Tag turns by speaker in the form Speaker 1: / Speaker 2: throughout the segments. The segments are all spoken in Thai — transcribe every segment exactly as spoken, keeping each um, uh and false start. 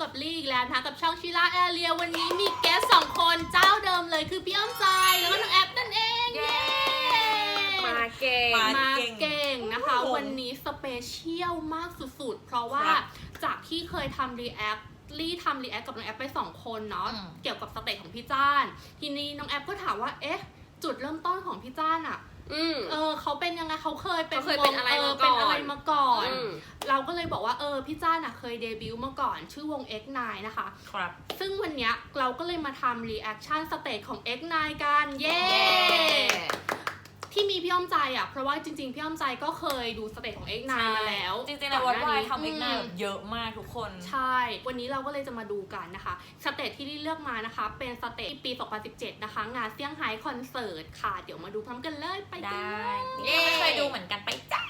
Speaker 1: กับลี่อีกแล้วนะคะกับช่องชิล่าแอเรียวันนี้มีแกสสองคนเจ้าเดิมเลยคือพี่อ้อมใจแล้วก็น้องแอปนั่นเองเย้
Speaker 2: มาเก่ง
Speaker 1: มาเก่งนะคะวันนี้สเปเชียลมากสุดๆเพราะว่าจากที่เคยทำรีแอคลี่ทำรีแอคกับน้องแอปไปสองคนเนาะเกี่ยวกับสเตจของพี่จ้านทีนี้น้องแอปก็ถามว่าเอ๊ะจุดเริ่มต้นของพี่จ้านอะเออเขาเป็นยังไงเขาเคยเป็น
Speaker 2: เป็นอะไรมาก่อน
Speaker 1: เป็นอะไรมาก่อนเราก็เลยบอกว่าเออพี่จ้านอะเคยเดบิวต์มาก่อนชื่อวง เอ็กซ์ ไนน์ นะคะ
Speaker 2: ครับ
Speaker 1: ซึ่งวันเนี้ยเราก็เลยมาทำรีแอคชั่นสเตจของ เอ็กซ์ ไนน์ กันเย้ที่มีพี่อ้อมใจอ่ะเพราะว่าจริงๆพี่อ้อมใจก็เคยดูสเตจของ เอ็กซ์ ไนน์ มาแล้ว
Speaker 2: จริงๆแล้ววัดวายทำ เอ็กซ์ ไนน์ แบบเยอะมากทุกคน
Speaker 1: ใช่วันนี้เราก็เลยจะมาดูกันนะคะสเตจที่ลี่เลือกมานะคะเป็นสเตจปีสองพันสิบเจ็ดนะคะงานเซี่ยงไฮ้คอนเสิร์ตค่ะเดี๋ยวมาดูพร้อมกันเลยไป
Speaker 2: ได้นี่ไม่เคยดูเหมือนกันไปจ้ะ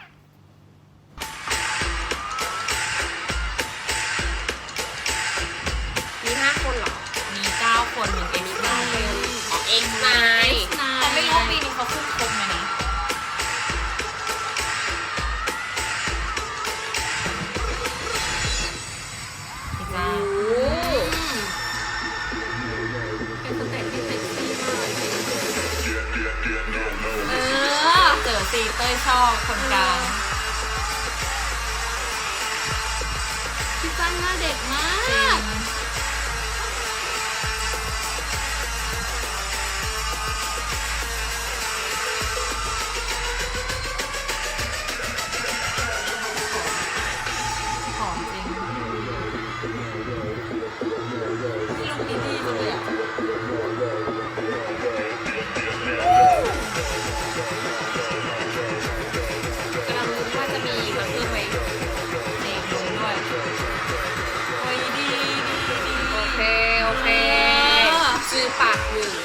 Speaker 3: มีห้าคนเหรอ
Speaker 2: มีเก้าคนหนึ่ง เอ็กซ์ ไนน์
Speaker 3: อ๋อ เอ็กซ์ ไนน์
Speaker 2: แต่ไม่รู้ปีนี้เขาขึ้นครบไหมนะ
Speaker 1: เป็นสเตจที่เซ็กซี่มาก
Speaker 2: เออเจอซีเต้ยชอบคนกลาง
Speaker 1: พี่จ้านหน้าเด็กมาก
Speaker 3: ซื้อปากหนึ่ง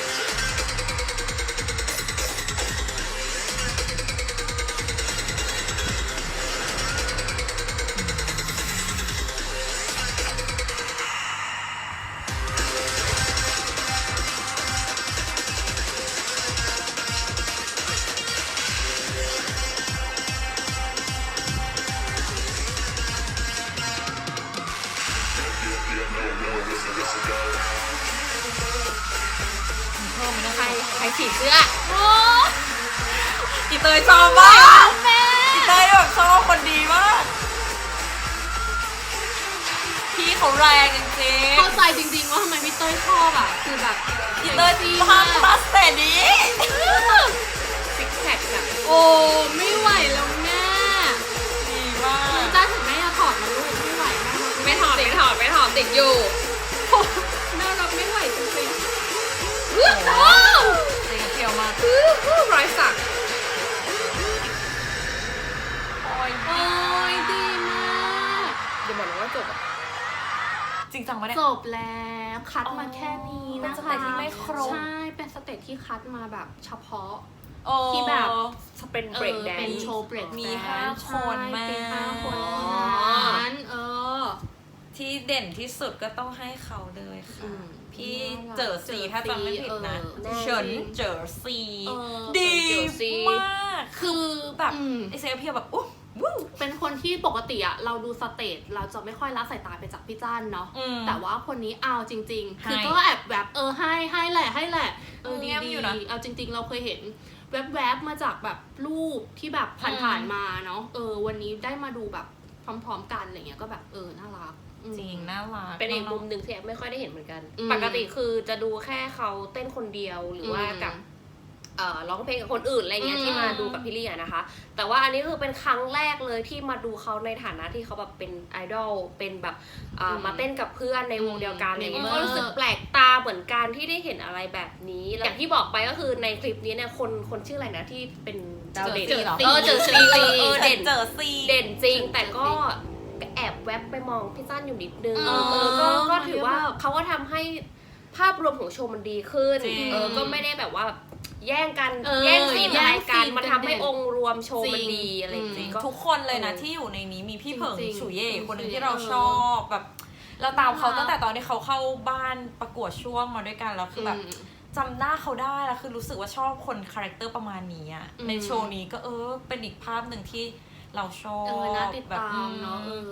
Speaker 1: ใครใครฉีดเสื้อโอ้
Speaker 2: อีเตยชอบมากอีเตยแบบชอบคนดีมากพี่เขาแรงจริงๆ
Speaker 1: เข้าใจจริงๆว่าทำไมพี่เต้ยชอบอ่ะคือแบบ
Speaker 2: อีเตยดีมากมาสเตอร์นี้
Speaker 3: ซิกแพคอะ
Speaker 1: โอ้ไม่ไหวแล้วแม่
Speaker 2: ดีมาก
Speaker 1: จ้าถึงแม่จะถอดมาลูกไม่ไหวแม่
Speaker 3: ไม่ถอดไม่ถอดไม่ถอดติดอยู่
Speaker 1: แม่รับไม่ไหวจริงๆ
Speaker 2: โอ้โหเจ๋งเที่ยวมาก
Speaker 3: รอยสัก
Speaker 1: โอ้ยโอ้ยดีมาก
Speaker 3: เดี๋ยวบอกนะว่าจบ
Speaker 2: จริงจังไม่ได้
Speaker 1: จบแล้วคัดมาแค่นี้นะคะ
Speaker 2: เป็นสเตจที่ไม่ครบ
Speaker 1: ใช่เป็นสเตจที่คัดมาแบบเฉพาะ
Speaker 2: ที่
Speaker 1: แบบ
Speaker 3: เป็นเบรกแดน
Speaker 1: เป็นโชว์เบรก
Speaker 2: มีห้าคนมา
Speaker 1: มีห้าคนนั้นเออ
Speaker 2: ที่เด่นที่สุดก็ต้องให้เขาเลยค่ะพี่เจอซีถ้าจำไม่ผิดนะเฉินเจอซีดีมากคือแบบไอเซลเพียแบบอุ๊บ
Speaker 1: เป็นคนที่ปกติอะเราดูสเตจเราจะไม่ค่อยละสายตาไปจากพี่จ้านเนาะแต่ว่าคนนี้เอาจริงๆคือก็แอบแบบเออให้ให้แหละให้แหละเออดีดีเอาจริงๆเราเคยเห็นแวบๆมาจากแบบรูปที่แบบผ่านๆมาเนาะเออวันนี้ได้มาดูแบบพร้อมๆกันอะไรเงี้ยก็แบบเออน่ารัก
Speaker 2: จริงน่ารัก
Speaker 3: เป็นอีกมุมหนึ่งที่แอปไม่ค่อยได้เห็นเหมือนกันปกติคือจะดูแค่เขาเต้นคนเดียวหรือว่ากับเอ่อร้องเพลงกับคนอื่นอะไรเงี้ยที่มาดูกับพี่ลี่นะคะแต่ว่าอันนี้คือเป็นครั้งแรกเลยที่มาดูเขาในฐานะที่เขาแบบเป็นไอดอลเป็นแบบมาเต้นกับเพื่อนในวงเดียวกันอะไรเงี้ยก็รู้สึกแปลกตาเหมือนกันที่ได้เห็นอะไรแบบนี้อย่างที่บอกไปก็คือในคลิปนี้เนี่ยคนคนชื่ออะไรนะที่เป็นดาวเด่นเออเจอซีเออเด่น
Speaker 2: เจอซี
Speaker 3: เด่นจริงแต่ก็แอบแวบไปมองพี่จ้านอยู่นิดนึงเออก็ก็ถือว่าเขาก็ทำให้ภาพรวมของโชว์มันดีขึ้นเออก็ไม่ได้แบบว่าแย่งกันแย่งซีนอะไรกันมันทำให้องค์รวมโชว์มันดีอะไรจริง
Speaker 2: ทุกคนเลยนะที่อยู่ในนี้มีพี่เผิงฉุยเย่คนหนึ่งที่เราชอบแบบเราตามเขาตั้งแต่ตอนที่เขาเข้าบ้านประกวดช่วงมาด้วยกันแล้วคือแบบจำหน้าเขาได้แล้วคือรู้สึกว่าชอบคนคาแรคเตอร์ประมาณนี้อะในโชว์นี้ก็เออเป็นอีกภาพหนึ่งที่เราชอบ
Speaker 1: เออน่าติดตามเนาะเออ
Speaker 2: พวก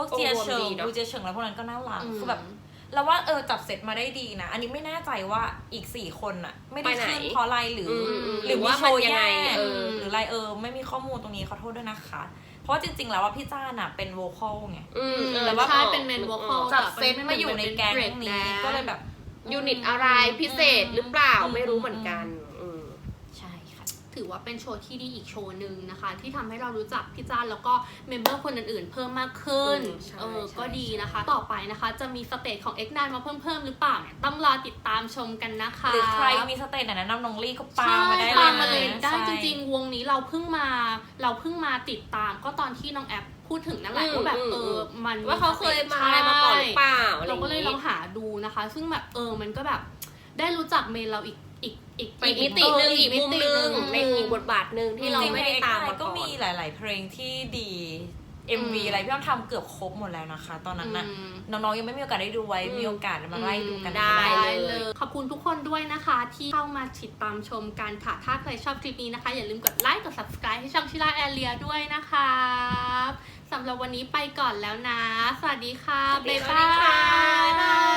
Speaker 2: วกเจียเฉิงดูเจียเฉิงแล้วพวกนั้นก็น่ารักคือแบบแล้วว่าเออจับเซตมาได้ดีนะอันนี้ไม่แน่ใจว่าอีกสี่คนอะไม่ได้ขึ้นเพราะอะไรหรือหรือว่าโชว์แย่หรืออะไรเออไม่มีข้อมูลตรงนี้ขอโทษด้วยนะคะเพราะจริงๆแล้วว่าพี่จ้าน่ะเป็นโวคอลไง
Speaker 1: แต่ว่าใช่เป็นเมนโวคอล
Speaker 2: จับเซตมาอยู่ในแก๊งนี้ก็เลยแบบ
Speaker 3: ยูนิตอะไรพิเศษหรือเปล่าไม่รู้เหมือนกัน
Speaker 2: ใช่ค่ะ
Speaker 1: ถือว่าเป็นโชว์ที่ดีอีกโชว์หนึ่งนะคะที่ทำให้เรารู้จักพี่จ้าแล้วก็เมมเบอร์คนอื่นๆเพิ่มมากขึ้นเออก็ดีนะคะต่อไปนะคะจะมีสเตจของ เอ็กซ์ ไนน์ มาเพิ่มเพิ่มหรือเปล่าเนี่ยต้องรอติดตามชมกันนะคะ
Speaker 2: หรือใครมีสเตจไหนแนะนำน้องลี่ก็ปามาได้
Speaker 1: เลยได้จริงๆวงนี้เราเพิ่งมาเราเพิ่งมาติดตามก็ตอนที่น้องแอปพูดถึงนั่นแหละว่าแบบเออมัน
Speaker 3: ว่าเขาเคยมาอะไรมาก่อนหรือเปล่า
Speaker 1: เราก็เลยลองหาดูนะคะซึ่งแบบเออมันก็แบบได้รู้จักเมนเราอีกอีกอีก
Speaker 3: อีกมิตินึงอีกมุมนึงในอีกบทบาทนึงที่เราไม่ได้ตามมาก่อน
Speaker 2: ก็มีหลายๆเพลงที่ดี เอ็ม วี อะไรพี่อ้อมทำเกือบครบหมดแล้วนะคะตอนนั้นน่ะน้องๆยังไม่มีโอกาสได้ดูไว้มีโอกาสมาไล่ดูกัน
Speaker 1: ได้เลยขอบคุณทุกคนด้วยนะคะที่เข้ามาติดตามชมกันค่ะถ้าใครชอบคลิปนี้นะคะอย่าลืมกดไลค์กด ซับสไครบ์ ให้ช่องชิล่าแอเรียด้วยนะคะสำหรับวันนี้ไปก่อนแล้วนะสวัสดีค่ะบ๊ายบาย